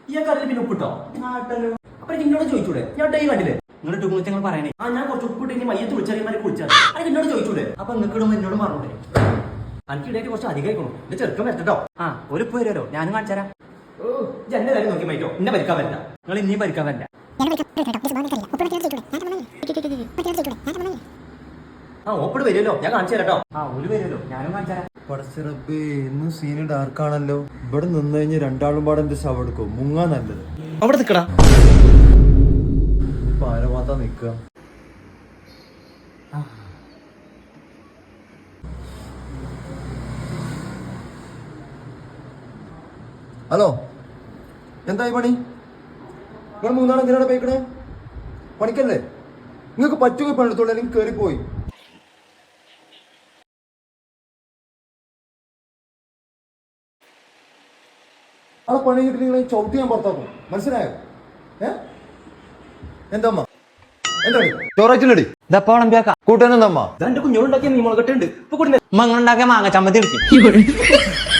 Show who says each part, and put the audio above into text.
Speaker 1: ഈ കറിയിൽ പിന്നെ ഉപ്പിട്ടോ അപ്പൊ എന്നോട് ചോദിച്ചൂടെ ഞാൻ ഡേ കണ്ടില്ലേ
Speaker 2: നിങ്ങളുടെ ടൂണിച്ച് ഞങ്ങൾ പറയണേ
Speaker 1: ഞാൻ കുറച്ച് ഉപ്പിട്ട് മയ്യത്ത് വിളിച്ചറിയമാരെ കുളിച്ചാൽ അത് എന്നോട് ചോദിച്ചൂടെ
Speaker 2: അപ്പൊ നിങ്ങൾക്ക് ഇടുമ്പോ എന്നോട് പറഞ്ഞൂടെ
Speaker 1: എനിക്കിടയിൽ കുറച്ച് അധികമായിക്കണു എന്റെ ചെറുക്കം വരട്ടോ
Speaker 2: ഒരു ഉപ്പ് വരുമല്ലോ ഞാനും കാണിച്ചുതരാം.
Speaker 1: ഓ എന്റെ കാര്യം നോക്കി മൈറ്റോ എന്നെ ഭരിക്കാൻ വരണ്ട.
Speaker 2: നിങ്ങൾ ഇനിയും ഭരിക്കാൻ വരില്ല.
Speaker 1: ഓപ്പിട് വരുമല്ലോ ഞാൻ കാണിച്ചു തരാട്ടോ.
Speaker 2: ഒരു വരുമല്ലോ ഞാനും കാണിച്ചുതരാം.
Speaker 3: പടച്ചിറപ്പേ ഇന്ന് സീന് ഡാർക്കാണല്ലോ. ഇവിടെ നിന്ന് കഴിഞ്ഞ് രണ്ടാളും പാടെ എന്റെ ശവം എടുക്കും. മുങ്ങാ നല്ലത്.
Speaker 1: അവിടെ നിക്കടാ.
Speaker 3: ഇപ്പൊ ആരെ മാത്രം നിക്കുക. ഹലോ എന്തായി പണി? നിങ്ങൾ മൂന്നാൾ എന്തിനാണ് പോയിക്കണേ? പണിക്കല്ലേ? നിങ്ങൾക്ക് പറ്റുക പണിയെടുത്തോളൂ, അല്ലെങ്കിൽ കയറിപ്പോയി. ആ പണി കിട്ടി നിങ്ങളെ ചവിട്ടി ഞാൻ പുറത്താക്കും. മനസ്സിലായോ? എന്താ അമ്മ? എന്താണ് ചോറാച്ചില്ലടി?
Speaker 2: ഇതപ്പോളം
Speaker 3: കൂട്ടാനെന്താ അമ്മ?
Speaker 1: എന്റെ കുഞ്ഞോളുണ്ടാക്കിയ മീൻ മുളകട്ടുണ്ട് ഇപ്പൊ കൂടി
Speaker 2: ഉണ്ടാക്കിയ മാങ്ങ ചമ്മന്തി എടുക്കും.